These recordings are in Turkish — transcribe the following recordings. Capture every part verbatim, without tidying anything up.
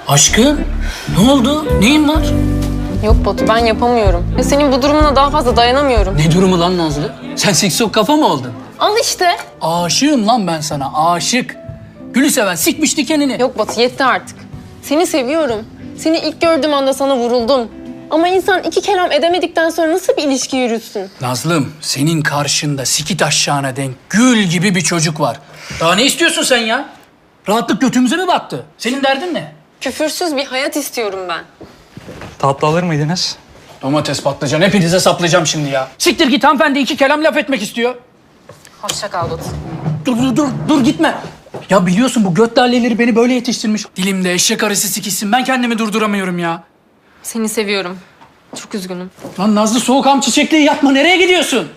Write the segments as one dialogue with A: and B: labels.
A: Aşkım, ne oldu? Neyin var?
B: Yok Batu, ben yapamıyorum. Ya senin bu durumuna daha fazla dayanamıyorum.
A: Ne durumu lan Nazlı? Sen siksok kafa mı oldun?
B: Al işte.
A: Aşığım lan ben sana, aşık. Gülü seven sikmiş dikenini.
B: Yok Batu, yetti artık. Seni seviyorum. Seni ilk gördüğüm anda sana vuruldum. Ama insan iki kelam edemedikten sonra nasıl bir ilişki yürütsün?
A: Nazlım, senin karşında sikit aşağına denk gül gibi bir çocuk var. Daha ne istiyorsun sen ya? Rahatlık götümüze mi battı? Senin derdin ne?
B: Küfürsüz bir hayat istiyorum ben.
C: Tatlı alır mıydınız?
A: Domates, patlıcan, hepinize saplayacağım şimdi ya. Siktir git, hanımefendi iki kelam laf etmek istiyor.
B: Hoşça kal Batu.
A: Dur, dur, dur, dur gitme. Ya biliyorsun bu göt laleleri beni böyle yetiştirmiş. Dilimde eşek arısı sikişsin, ben kendimi durduramıyorum ya.
B: Seni seviyorum. Çok üzgünüm.
A: Lan Nazlı, soğukam çiçekliği yapma, nereye gidiyorsun?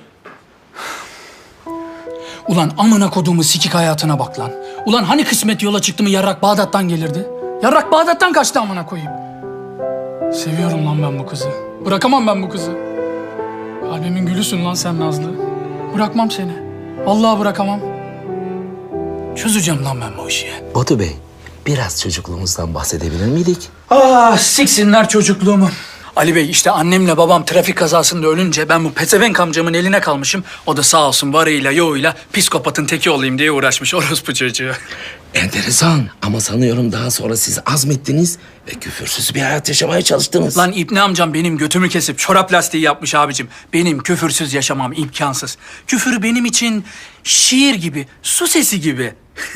A: Ulan amına koduğumu sikik hayatına bak lan. Ulan hani kısmet yola çıktı mı yarrak Bağdat'tan gelirdi? Yarrak Bağdat'tan kaçtı amına koyayım. Seviyorum lan ben bu kızı. Bırakamam ben bu kızı. Kalbimin gülüsün lan sen Nazlı. Bırakmam seni. Vallahi bırakamam. Çözeceğim lan ben bu işi.
D: Batu Bey, biraz çocukluğumuzdan bahsedebilir miydik?
A: Ah, siksinler çocukluğumu. Ali Bey, işte annemle babam trafik kazasında ölünce ben bu pezevenk amcamın eline kalmışım. O da sağ olsun varıyla yoğuyla psikopatın teki olayım diye uğraşmış orospu çocuğu.
D: Enteresan ama sanıyorum daha sonra siz azmettiniz ve küfürsüz bir hayat yaşamaya çalıştınız.
A: Lan İbni amcam benim götümü kesip çorap lastiği yapmış abicim. Benim küfürsüz yaşamam imkansız. Küfür benim için şiir gibi, su sesi gibi.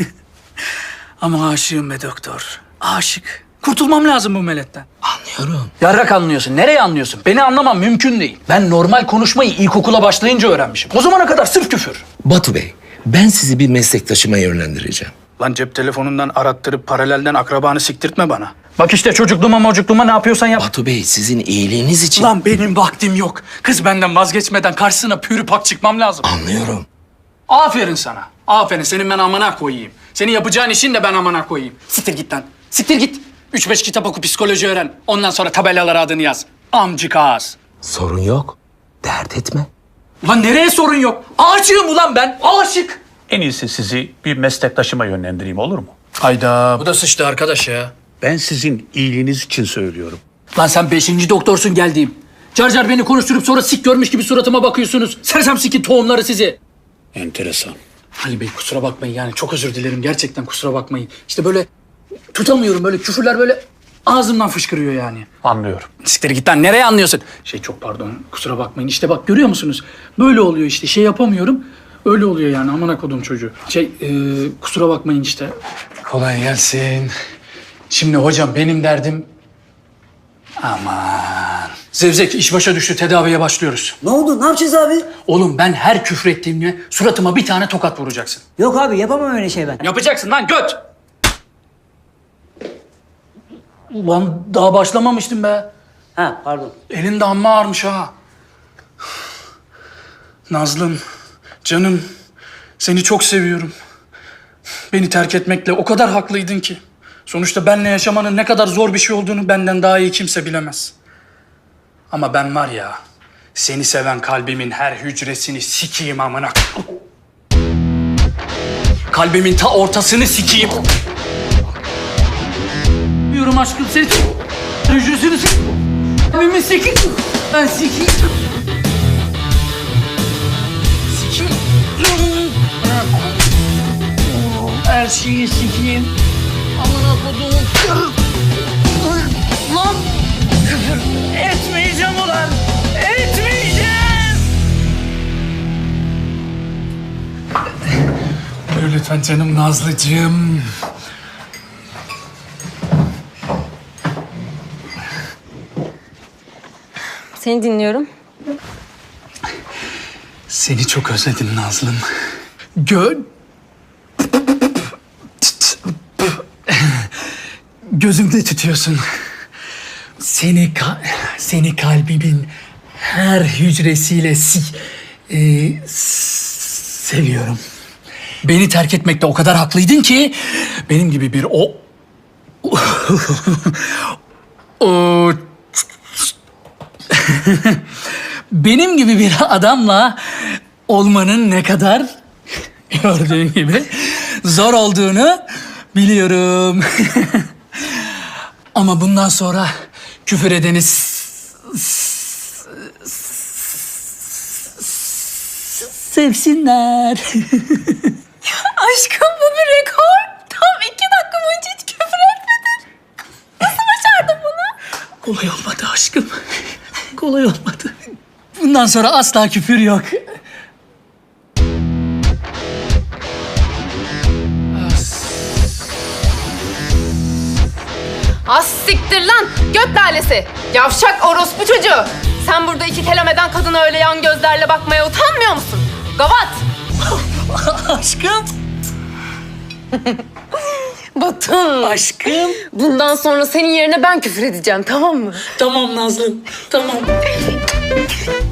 A: Ama aşığım be doktor, aşık. Kurtulmam lazım bu meletten.
D: Anlıyorum.
A: Yarrak anlıyorsun. Nereye anlıyorsun? Beni anlamam mümkün değil. Ben normal konuşmayı ilkokula başlayınca öğrenmişim. O zamana kadar sırf küfür.
D: Batu Bey, ben sizi bir meslektaşıma yönlendireceğim.
A: Lan cep telefonundan arattırıp paralelden akrabanı siktirtme bana. Bak işte çocukluğuma mocukluğuma ne yapıyorsan yap.
D: Batu Bey, sizin iyiliğiniz için...
A: Lan benim vaktim yok. Kız benden vazgeçmeden karşısına pürü pak çıkmam lazım.
D: Anlıyorum.
A: Aferin sana. Aferin. Senin ben amana koyayım. Senin yapacağın işin de ben amana koyayım. Siktir git lan. Siktir git. Üç beş kitap oku, psikoloji öğren. Ondan sonra tabelalara adını yaz. Amcık ağız.
D: Sorun yok. Dert etme.
A: Ulan nereye sorun yok? Aşığım ulan ben. Aşık.
E: En iyisi sizi bir meslektaşıma yönlendireyim, olur mu?
A: Hayda. Bu da sıçtı arkadaş ya.
E: Ben sizin iyiliğiniz için söylüyorum.
A: Lan sen beşinci doktorsun geldiğim. Car car beni konuşturup sonra sik görmüş gibi suratıma bakıyorsunuz. Sersem sikin tohumları sizi.
E: Enteresan.
A: Ali Bey kusura bakmayın yani çok özür dilerim. Gerçekten kusura bakmayın. İşte böyle tutamıyorum, böyle küfürler böyle ağzımdan fışkırıyor yani.
E: Anlıyorum.
A: Siktir git lan, nereye anlıyorsun? Şey çok pardon, kusura bakmayın. İşte bak görüyor musunuz? Böyle oluyor işte, şey yapamıyorum. Öyle oluyor yani, amına kodum çocuğu. Şey e, kusura bakmayın işte. Kolay gelsin. Şimdi hocam benim derdim... Aman. Zevzek iş başa düştü, tedaviye başlıyoruz.
F: Ne oldu? Ne yapacağız abi?
A: Oğlum ben her küfrettiğimde suratıma bir tane tokat vuracaksın.
F: Yok abi yapamam öyle şey ben.
A: Yapacaksın lan göt! Ulan daha başlamamıştım be.
F: Ha pardon.
A: Elin de amma ağırmış ha. Nazlım, canım, seni çok seviyorum. Beni terk etmekle o kadar haklıydın ki. Sonuçta benle yaşamanın ne kadar zor bir şey olduğunu benden daha iyi kimse bilemez. Ama ben var ya, seni seven kalbimin her hücresini sikeyim amına. Kalbimin ta ortasını sikeyim. Diyorum aşkım, seni hücresini sikeyim. Kalbimi sikeyim. Ben sikeyim. Sikeyim. Her şeyi sikeyim. Amına koduğum. Lan! Küfür etmeyeceğim ulan! Etmeyeceğim! Buyur lütfen canım Nazlıcığım.
B: Seni dinliyorum.
A: Seni çok özledim Nazlım. Gö... Gözümde tutuyorsun. Seni ka seni kalbimin her hücresiyle si e, seviyorum. Beni terk etmekte o kadar haklıydın ki benim gibi bir o o benim gibi bir adamla olmanın ne kadar gördüğün gibi zor olduğunu biliyorum. Ama bundan sonra küfür edeni s- s- sevsinler.
B: Aşkım bu bir rekor. Tam iki dakika boyunca hiç küfür etmedin. Nasıl başardın bunu?
A: Kolay olmadı aşkım. Kolay olmadı. Bundan sonra asla küfür yok.
B: Az siktir lan göt lalesi. Yavşak orospu çocuğu. Sen burada iki kelam eden kadına öyle yan gözlerle bakmaya utanmıyor musun? Gavat.
A: Aşkım.
B: Batın.
A: Aşkım.
B: Bundan sonra senin yerine ben küfür edeceğim tamam mı?
A: Tamam Nazlım. Tamam.